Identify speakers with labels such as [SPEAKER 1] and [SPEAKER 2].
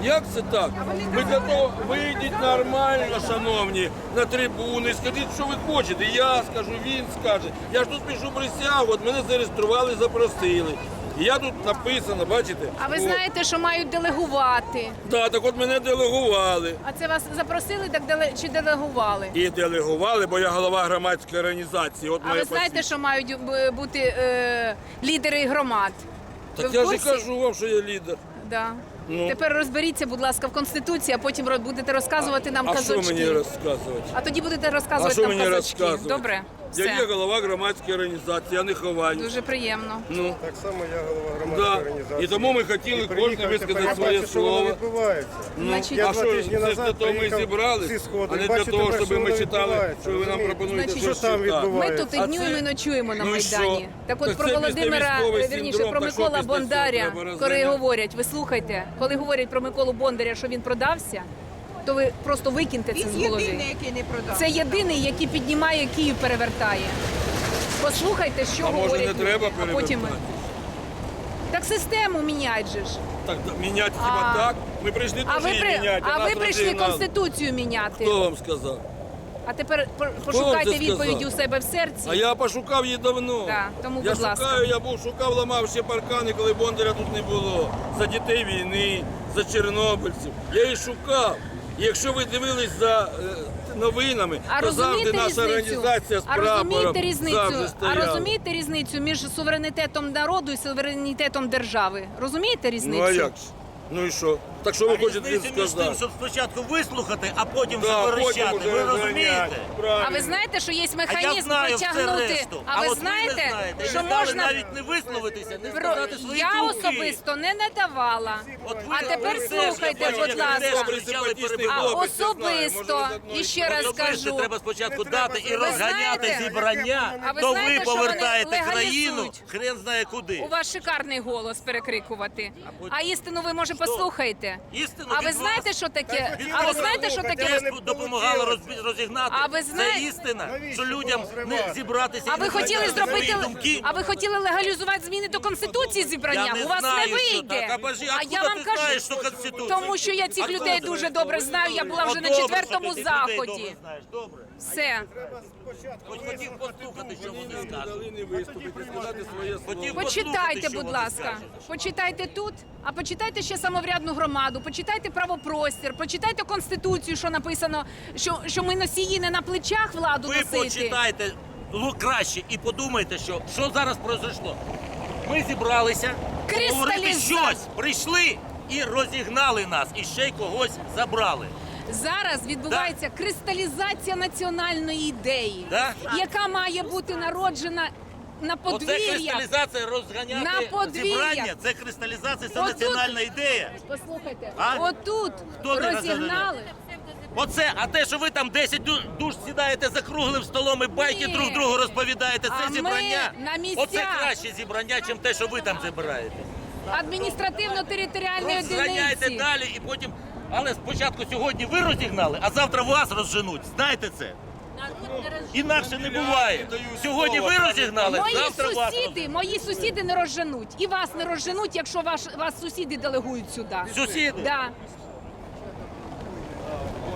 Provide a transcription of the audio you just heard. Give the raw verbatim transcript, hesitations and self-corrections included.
[SPEAKER 1] Як це так? Ми для того вийдіть нормально, шановні, на трибуни, скажіть, що ви хочете. Я скажу, він скаже. Я ж тут пишу присягу, от мене зареєстрували, запросили. І я тут написано, бачите?
[SPEAKER 2] А ви
[SPEAKER 1] О.
[SPEAKER 2] знаєте, що мають делегувати?
[SPEAKER 1] Так, так от мене делегували.
[SPEAKER 2] А це вас запросили так деле... чи делегували?
[SPEAKER 1] І делегували, бо я голова громадської організації. От
[SPEAKER 2] А
[SPEAKER 1] моє
[SPEAKER 2] ви знаєте,
[SPEAKER 1] посвідчення.
[SPEAKER 2] що мають бу- бути е, лідери громад?
[SPEAKER 1] Так
[SPEAKER 2] Ви
[SPEAKER 1] я
[SPEAKER 2] в
[SPEAKER 1] ж і
[SPEAKER 2] курсі?
[SPEAKER 1] кажу вам, що я лідер.
[SPEAKER 2] Да.
[SPEAKER 1] Ну.
[SPEAKER 2] Тепер розберіться, будь ласка, в Конституції, а потім роз- будете розказувати нам
[SPEAKER 1] А
[SPEAKER 2] казочки.
[SPEAKER 1] що мені розказувати?
[SPEAKER 2] А тоді будете
[SPEAKER 1] А
[SPEAKER 2] розказувати
[SPEAKER 1] що
[SPEAKER 2] нам
[SPEAKER 1] мені
[SPEAKER 2] казочки.
[SPEAKER 1] розказувати?
[SPEAKER 2] Добре?
[SPEAKER 1] Я
[SPEAKER 2] Все.
[SPEAKER 1] є голова громадської організації, я не ховаю.
[SPEAKER 2] Дуже приємно.
[SPEAKER 1] Ну.
[SPEAKER 3] Так само я голова громадської
[SPEAKER 1] Да.
[SPEAKER 3] організації.
[SPEAKER 1] І тому ми хотіли
[SPEAKER 3] І
[SPEAKER 1] кожен
[SPEAKER 3] приїхав,
[SPEAKER 1] висказати
[SPEAKER 3] тепер я
[SPEAKER 1] своє
[SPEAKER 3] бачу, що воно
[SPEAKER 1] слово.
[SPEAKER 3] відбувається.
[SPEAKER 1] Ну,
[SPEAKER 2] Значить,
[SPEAKER 3] Я
[SPEAKER 1] а
[SPEAKER 3] два
[SPEAKER 1] що,
[SPEAKER 3] тижні
[SPEAKER 1] це ж
[SPEAKER 3] назад
[SPEAKER 1] для того ми
[SPEAKER 3] приїхав
[SPEAKER 1] зібрались,
[SPEAKER 3] всі сходи.
[SPEAKER 1] а не
[SPEAKER 3] Бачу
[SPEAKER 1] для того,
[SPEAKER 3] тепер,
[SPEAKER 1] щоб
[SPEAKER 3] що
[SPEAKER 1] ми
[SPEAKER 3] воно
[SPEAKER 1] читали,
[SPEAKER 3] відбувається,
[SPEAKER 1] що ви нам
[SPEAKER 3] розумієте?
[SPEAKER 1] пропонуєте
[SPEAKER 2] Значить,
[SPEAKER 1] щось
[SPEAKER 3] що там
[SPEAKER 1] читати.
[SPEAKER 2] Ми
[SPEAKER 3] відбувається?
[SPEAKER 2] тут
[SPEAKER 1] А
[SPEAKER 2] і днюємо, і
[SPEAKER 1] це-
[SPEAKER 2] ночуємо на
[SPEAKER 1] Ну і
[SPEAKER 2] Майдані.
[SPEAKER 1] що?
[SPEAKER 2] Так от
[SPEAKER 1] Так
[SPEAKER 2] про
[SPEAKER 1] це
[SPEAKER 2] Володимира,
[SPEAKER 1] післявійськовий
[SPEAKER 2] вірніше,
[SPEAKER 1] синдром,
[SPEAKER 2] про
[SPEAKER 1] так що
[SPEAKER 2] Микола
[SPEAKER 1] після цього
[SPEAKER 2] Бондаря,
[SPEAKER 1] треба
[SPEAKER 2] коли
[SPEAKER 1] розганяти?
[SPEAKER 2] говорять, ви слухайте, коли говорять про Миколу Бондаря, що він продався, то ви просто викиньте це з
[SPEAKER 4] Він
[SPEAKER 2] голови.
[SPEAKER 4] єдиний, який не продав.
[SPEAKER 2] Це єдиний, який піднімає Київ, перевертає. Послухайте, що
[SPEAKER 1] А може,
[SPEAKER 2] говорять
[SPEAKER 1] не треба
[SPEAKER 2] люди, а потім ми.
[SPEAKER 1] перевертати?
[SPEAKER 2] Так систему міняють же ж.
[SPEAKER 1] Так, міняти хіба
[SPEAKER 2] А-
[SPEAKER 1] так? Ми прийшли
[SPEAKER 2] А
[SPEAKER 1] теж
[SPEAKER 2] ви,
[SPEAKER 1] її
[SPEAKER 2] при...
[SPEAKER 1] міняти,
[SPEAKER 2] а
[SPEAKER 1] нас
[SPEAKER 2] ви прийшли
[SPEAKER 1] розігнали.
[SPEAKER 2] Конституцію міняти.
[SPEAKER 1] Хто вам сказав?
[SPEAKER 2] А тепер по-
[SPEAKER 1] вам
[SPEAKER 2] пошукайте
[SPEAKER 1] це сказав?
[SPEAKER 2] відповіді у себе в серці.
[SPEAKER 1] А я пошукав її давно.
[SPEAKER 2] Да, тому,
[SPEAKER 1] я
[SPEAKER 2] будь ласка.
[SPEAKER 1] шукаю, я був шукав, ламав ще паркани, коли Бондаря тут не було. За дітей війни, за чорнобильців. Я її шукав. І якщо ви дивились за е, новинами,
[SPEAKER 2] А
[SPEAKER 1] то завжди
[SPEAKER 2] розумієте
[SPEAKER 1] наша
[SPEAKER 2] різницю?
[SPEAKER 1] організація з
[SPEAKER 2] А
[SPEAKER 1] прапором
[SPEAKER 2] розумієте різницю?
[SPEAKER 1] завжди
[SPEAKER 2] А
[SPEAKER 1] стояла.
[SPEAKER 2] розумієте різницю між суверенітетом народу і суверенітетом держави? Розумієте різницю?
[SPEAKER 1] Ну а як ж? Ну і що? Так що ви
[SPEAKER 5] А
[SPEAKER 1] хочете
[SPEAKER 5] різниця між тим,
[SPEAKER 1] сказати?
[SPEAKER 5] щоб спочатку вислухати, а потім
[SPEAKER 1] Да,
[SPEAKER 5] вже
[SPEAKER 1] потім
[SPEAKER 5] верещати.
[SPEAKER 1] уже
[SPEAKER 5] Ви
[SPEAKER 1] розганяти.
[SPEAKER 5] розумієте?
[SPEAKER 1] Правильно.
[SPEAKER 2] А ви знаєте, що є
[SPEAKER 5] А я
[SPEAKER 2] механізм
[SPEAKER 5] знаю все
[SPEAKER 2] притягнути?
[SPEAKER 5] решту.
[SPEAKER 2] А ви
[SPEAKER 5] от
[SPEAKER 2] знаєте,
[SPEAKER 5] ви не знаєте,
[SPEAKER 2] що
[SPEAKER 5] не дали
[SPEAKER 2] можна
[SPEAKER 5] навіть не висловитися, не
[SPEAKER 2] Про...
[SPEAKER 5] сказати свої
[SPEAKER 2] Я
[SPEAKER 5] думки.
[SPEAKER 2] особисто не надавала.
[SPEAKER 5] От ви-
[SPEAKER 2] А тепер
[SPEAKER 5] ви
[SPEAKER 2] слухайте,
[SPEAKER 5] теж,
[SPEAKER 2] будь
[SPEAKER 5] я
[SPEAKER 2] ласка.
[SPEAKER 5] теж
[SPEAKER 1] Добрий,
[SPEAKER 5] кричали,
[SPEAKER 1] симпатичний
[SPEAKER 2] А
[SPEAKER 5] перебивали.
[SPEAKER 1] хлопець, я знаю, може,
[SPEAKER 2] особисто,
[SPEAKER 1] ви з одної
[SPEAKER 2] і ще раз
[SPEAKER 5] Особисто
[SPEAKER 2] кажу,
[SPEAKER 5] треба спочатку
[SPEAKER 3] Не
[SPEAKER 5] дати і
[SPEAKER 3] треба
[SPEAKER 5] розганяти
[SPEAKER 2] знаєте-
[SPEAKER 5] зібрання,
[SPEAKER 2] А ви
[SPEAKER 5] то
[SPEAKER 2] знаєте,
[SPEAKER 5] ви
[SPEAKER 2] що вони
[SPEAKER 5] повертаєте
[SPEAKER 2] легалізують?
[SPEAKER 5] країну, хрен знає куди.
[SPEAKER 2] у вас шикарний голос перекрикувати.
[SPEAKER 5] потім-
[SPEAKER 2] А істину ви може послухаєте?
[SPEAKER 5] Істину
[SPEAKER 2] А ви
[SPEAKER 5] від
[SPEAKER 2] знаєте,
[SPEAKER 5] вас.
[SPEAKER 2] що таке?
[SPEAKER 5] Від
[SPEAKER 2] А ви
[SPEAKER 5] вас
[SPEAKER 2] знаєте, що
[SPEAKER 3] слухайте,
[SPEAKER 2] таке?
[SPEAKER 3] не
[SPEAKER 5] Те допомагало роз- розігнати.
[SPEAKER 2] А ви знаєте-
[SPEAKER 5] Це істина,
[SPEAKER 3] Навіщо
[SPEAKER 5] що людям
[SPEAKER 3] було
[SPEAKER 5] не
[SPEAKER 3] зривати?
[SPEAKER 5] зібратися.
[SPEAKER 2] А
[SPEAKER 5] і
[SPEAKER 2] ви
[SPEAKER 5] не
[SPEAKER 2] хотіли
[SPEAKER 5] сказати
[SPEAKER 2] зробити,
[SPEAKER 5] свої думки.
[SPEAKER 2] а ви хотіли легалізувати зміни до Конституції зібрання?
[SPEAKER 5] Я не
[SPEAKER 2] У вас
[SPEAKER 5] знаю,
[SPEAKER 2] не
[SPEAKER 5] що
[SPEAKER 2] вийде.
[SPEAKER 5] так. А бажі,
[SPEAKER 2] А
[SPEAKER 5] откуда
[SPEAKER 2] я вам
[SPEAKER 5] ти
[SPEAKER 2] кажу,
[SPEAKER 5] знаєш, що Конституція?
[SPEAKER 2] тому що я цих
[SPEAKER 5] Откуда
[SPEAKER 2] людей
[SPEAKER 5] ти
[SPEAKER 2] дуже
[SPEAKER 5] знаєш?
[SPEAKER 2] добре знаю. Я була вже
[SPEAKER 5] От
[SPEAKER 2] на
[SPEAKER 5] добре,
[SPEAKER 2] четвертому
[SPEAKER 5] що ти цих людей
[SPEAKER 2] заході.
[SPEAKER 5] добре знаєш. Добре.
[SPEAKER 2] Все.
[SPEAKER 5] Хоч хотів послухати, що вони
[SPEAKER 1] Не
[SPEAKER 5] скажуть.
[SPEAKER 1] дали не виступити, сказати своє слово.
[SPEAKER 5] Хотів
[SPEAKER 2] Почитайте,
[SPEAKER 5] послухати, що
[SPEAKER 2] будь
[SPEAKER 5] вони
[SPEAKER 2] ласка.
[SPEAKER 5] скажуть.
[SPEAKER 2] Почитайте тут, а почитайте ще самоврядну громаду, почитайте правопростір, почитайте Конституцію, що написано, що, що ми носії не на плечах владу
[SPEAKER 5] Ви
[SPEAKER 2] носити.
[SPEAKER 5] почитайте лу- краще і подумайте, що, що зараз произошло. Ми зібралися говорити
[SPEAKER 2] Кристаліза-
[SPEAKER 5] щось, прийшли і розігнали нас, і ще й когось забрали.
[SPEAKER 2] Зараз відбувається кристалізація національної ідеї,
[SPEAKER 5] Да?
[SPEAKER 2] яка має бути народжена на
[SPEAKER 5] Оце
[SPEAKER 2] подвір'ях.
[SPEAKER 5] кристалізація розганяти
[SPEAKER 2] На подвір'ях.
[SPEAKER 5] зібрання, це кристалізація, це
[SPEAKER 2] Отут-
[SPEAKER 5] національна ідея.
[SPEAKER 2] Послухайте,
[SPEAKER 5] А?
[SPEAKER 2] отут
[SPEAKER 5] Хто не
[SPEAKER 2] розігнали.
[SPEAKER 5] Оце, а те, що ви там десять ду- душ сідаєте за круглим столом і байки
[SPEAKER 2] Ні.
[SPEAKER 5] друг другу розповідаєте, це
[SPEAKER 2] А ми
[SPEAKER 5] зібрання.
[SPEAKER 2] на місцях.
[SPEAKER 5] Оце краще зібрання, ніж те, що ви там збираєте.
[SPEAKER 2] Адміністративно-територіальної
[SPEAKER 5] Розганяйте
[SPEAKER 2] одиниці.
[SPEAKER 5] далі і потім. Але спочатку сьогодні ви розігнали, а завтра вас розженуть. Знаєте це? Інакше не буває. Сьогодні ви розігнали,
[SPEAKER 2] Мої
[SPEAKER 5] завтра вас
[SPEAKER 2] сусіди,
[SPEAKER 5] розженуть.
[SPEAKER 2] мої сусіди не розженуть. І вас не розженуть, якщо ваш, вас сусіди делегують сюди.
[SPEAKER 5] Сусіди?
[SPEAKER 2] Да.